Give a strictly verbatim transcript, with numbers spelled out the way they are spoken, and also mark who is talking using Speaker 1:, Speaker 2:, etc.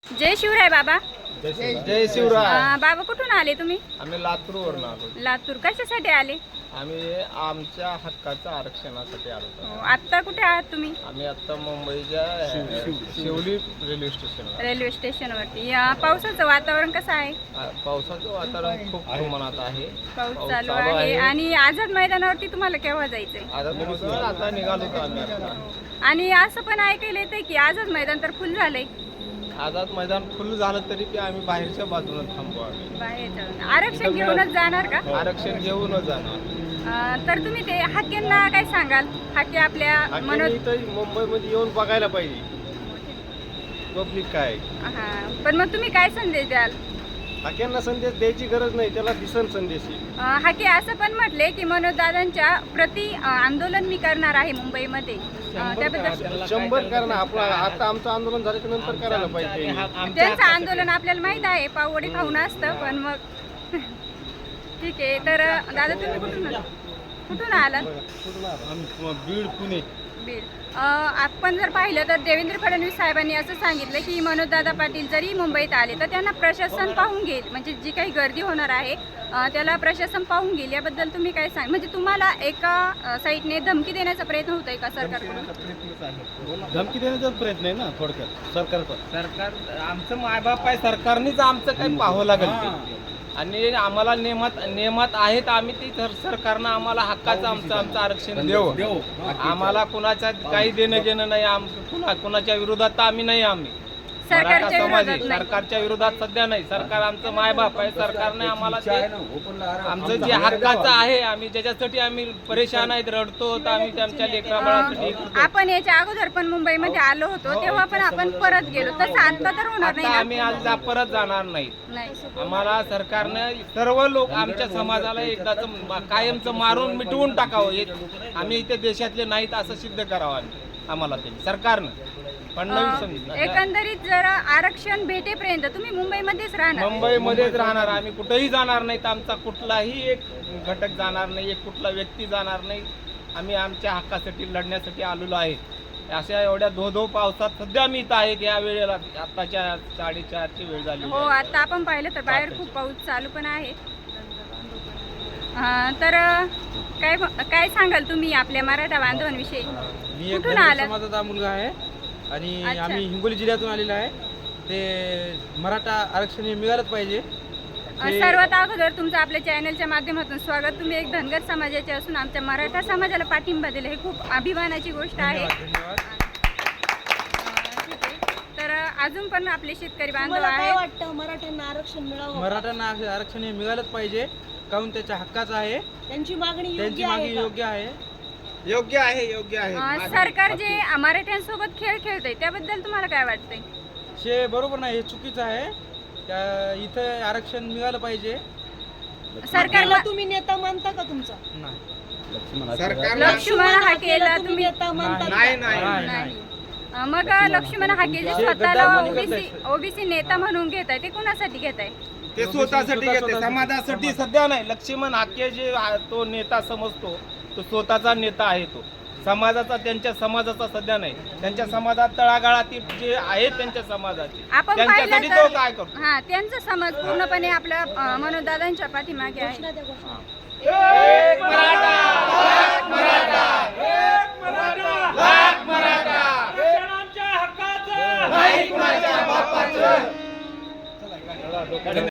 Speaker 1: जय शिवराय बाबा.
Speaker 2: जय शिवराय.
Speaker 1: अं, बाबा कुठून आले तुम्ही?
Speaker 2: आम्ही लातूरवरून आलो.
Speaker 1: लातूर. कशासाठी आले?
Speaker 2: आम्ही आमच्या हक्काच्या आरक्षणासाठी आलो
Speaker 1: हो,
Speaker 2: होतो.
Speaker 1: आत्ता कुठे आहात तुम्ही?
Speaker 2: आम्ही आता मुंबईच्या शिवली रेल्वे स्टेशनवर.
Speaker 1: रेल्वे स्टेशनवरती. या पावसाचं वातावरण कसं आहे?
Speaker 2: आ- पावसाचं वातावरण खूप प्रमाणात आहे.
Speaker 1: पाऊस
Speaker 2: पाऊस
Speaker 1: चालू
Speaker 2: चालू
Speaker 1: आहे.
Speaker 2: आहे.
Speaker 1: आणि आझाद मैदानावरती तुम्हाला केव्हा जायचंय?
Speaker 2: आता तुम्ही आता निघालो होतो आम्ही आता.
Speaker 1: आणि असं पण ऐकायला येतंय की आझाद मैदान तर फुल झालंय.
Speaker 2: आझाद मैदान फुल झालं तरी बी आम्ही बाहेरच्या बाजूने थांबू. आम्ही
Speaker 1: बाहेर जाऊन आरक्षण घेऊनच जाणार का?
Speaker 2: आरक्षण घेऊनच जाणार.
Speaker 1: अं, तर तुम्ही ते हाकेंना काय सांगाल? हाके आपल्या मनोज
Speaker 2: आणि इथं मुंबईमध्ये येऊन बघायला पाहिजे पब्लिक काय.
Speaker 1: हा, पण मग तुम्ही काय संदेश द्याल?
Speaker 2: हाक्यांना संदेश द्यायची गरज नाही, त्याला दिसन संदेश आहे.
Speaker 1: अं, हाके असं पण म्हटले की मनोज दादांच्या प्रति अं, आंदोलन मी करणार आहे मुंबईमध्ये. अं, त्याबद्दल
Speaker 2: शंभर करा ना. आपलं आता आमचं आंदोलन झाल्याच्या नंतर करायला पाहिजे.
Speaker 1: त्यांचं आंदोलन आपल्याला माहित आहे, पाववडी खाऊन असतं. पण मग ठीक आहे. तर दादा तुम्ही कुठून कुठून आलात?
Speaker 2: बीड पुणे.
Speaker 1: बीड. अं, आपण जर पाहिलं तर देवेंद्र फडणवीस साहेबांनी असं सांगितलं की मनोजदादा पाटील जरी मुंबईत आले तर त्यांना प्रशासन पाहून घेईल. म्हणजे जी काही गर्दी होणार आहे अं, त्याला प्रशासन पाहून घेईल. याबद्दल तुम्ही काय सांग? म्हणजे तुम्हाला एका अं, साईडने धमकी देण्याचा प्रयत्न होतोय का सरकारकडून?
Speaker 2: धमकी देण्याचा प्रयत्न आहे ना थोडक्यात सरकारचा. सरकार आमचं मायबाप आहे, सरकारनेच आमचं काही पाहावं लागेल ते. आणि आम्हाला नियमात नियमात आहेत, आम्ही ती तर सरकारनं आम्हाला हक्काचं आमचं आमचं आरक्षण देऊ. आम्हाला कुणाच्या काही देणं घेणं नाही. आम कुणा कुणाच्या विरोधात तर आम्ही नाही. आम्ही मराठा
Speaker 1: सरकारच्या
Speaker 2: समाज आहे,
Speaker 1: विरोधात नाही.
Speaker 2: सरकारच्या विरोधात सध्या नाही. सरकार आमचं मायबाप आहे. सरकारने आम्हाला ते आमचं जे हक्काचं आहे, आम्ही ज्याच्यासाठी आम्ही परेशान आहेत, रडतो, तर आम्ही आमच्या लेकरा बाळासाठी
Speaker 1: अं, आपण याच्या अगोदर पण मुंबईमध्ये आलो होतो, तेव्हा पण आपण परत गेलो. तसं आता तर होणार नाही
Speaker 2: आता
Speaker 1: ना?
Speaker 2: आम्ही आज जा- परत जाणार नाही.
Speaker 1: नाही.
Speaker 2: आम्हाला सरकारनं सर्व लोक आमच्या समाजाला एकदाच कायमचं मारून मिटवून टाकावं. हे आम्ही इथे देशातले नाहीत असं सिद्ध करावं आम्ही आम्हाला ते सरकारनं. पण
Speaker 1: अं,
Speaker 2: नवीन
Speaker 1: एकंदरीत जर आरक्षण भेटेपर्यंत तुम्ही मुंबईमध्येच राहणार?
Speaker 2: मुंबईमध्येच राहणार. आम्ही कुठेही जाणार नाहीत. आमचा कुठलाही एक घटक जाणार नाही, एक कुठला व्यक्ती जाणार नाही. आम्ही आमच्या हक्कासाठी लढण्यासाठी आलेलो आहे. अशा एवढ्या धो धो पावसात सध्या मी इथं आहे. या वेळेला आताच्या साडेचारची वेळ झाली.
Speaker 1: हो, आता आपण पाहिलं तर बाहेर खूप पाऊस चालू पण आहे. अं, तर काय काय सांगाल तुम्ही आपल्या मराठा बांधवांविषयी?
Speaker 3: मी एक
Speaker 1: कुठून
Speaker 3: धनगर
Speaker 1: आलात?
Speaker 3: समाजाचा मुलगा आहे आणि
Speaker 1: अच्छा.
Speaker 3: आम्ही हिंगोली जिल्ह्यातून आलेलो आहे. ते मराठा आरक्षण हे मिळालंच पाहिजे.
Speaker 1: अं, सर्वात अगोदर तुमचं आपल्या चॅनलच्या माध्यमातून स्वागत. तुम्ही एक धनगर समाजाचे असून आमच्या मराठा समाजाला पाठिंबा दिला, हे खूप अभिमानाची गोष्ट आहे.
Speaker 3: धन्यवाद धन्यवाद.
Speaker 1: अं, ठीक आहे. तर अजून पण आपले शेतकरी बांधव
Speaker 4: तुम्हाला काय
Speaker 1: आहेत.
Speaker 4: वाटतं मराठ्यांना आरक्षण मिळावं?
Speaker 3: मराठ्यांना आर- आरक्षण हे मिळालंच पाहिजे, काहून त्याच्या हक्काचं आहे.
Speaker 4: त्यांची मागणी
Speaker 3: त्यांची
Speaker 4: योग्य
Speaker 3: मागणी
Speaker 4: आहे का?
Speaker 3: योग्य आहे.
Speaker 2: योग्य आहे, योग्य
Speaker 1: अं, सरकार जे मराठ्यांसोबत खेळ खेळतंय त्याबद्दल तुम्हाला काय वाटतंय?
Speaker 3: शे बरोबर नाही, हे चुकीचं आहे. त्या इथं आरक्षण मिळालं पाहिजे.
Speaker 1: सरकारला
Speaker 4: त्याला तुम्ही नेता मानता का तुमचा?
Speaker 3: नाही
Speaker 2: सरकार
Speaker 1: लक्ष्मण हा केला
Speaker 4: तुम्ही
Speaker 1: तुम्ही
Speaker 4: नेता मानता का?
Speaker 2: नाही नाही
Speaker 3: नाही,
Speaker 1: नाही. अं, मग लक्ष्मण हाके जे
Speaker 3: हे
Speaker 1: स्वतःला
Speaker 3: गद्दारपणी
Speaker 1: ओबीसी ओबीसी नेता म्हणून घेत आहे, ते कोणासाठी घेत आहे?
Speaker 2: ते स्वतःसाठी घेते, समाजासाठी सध्या नाही. लक्ष्मण हाके जे आ- तो नेता समजतो, तो स्वतःचा नेता आहे. तो समाजाचा, त्यांच्या समाजाचा सध्या नाही. त्यांच्या समाजात तळागाळातील जे आहेत त्यांच्या समाजाचे,
Speaker 1: आपण
Speaker 2: त्यांच्यासाठी
Speaker 1: पाहिलं
Speaker 2: तो
Speaker 1: तर
Speaker 2: काय करतो.
Speaker 1: हा, त्यांचा समाज पूर्णपणे आपल्या अं, मनोजदादांच्या पाठीमागे आहे.
Speaker 4: घोषणा द्या, घोषणा.
Speaker 2: एक मराठा, एक मराठा, एक मराठा, लाख मराठा,
Speaker 5: आरक्षणाच्या हक्काचं
Speaker 2: नाही कुणाच्या बापाचं.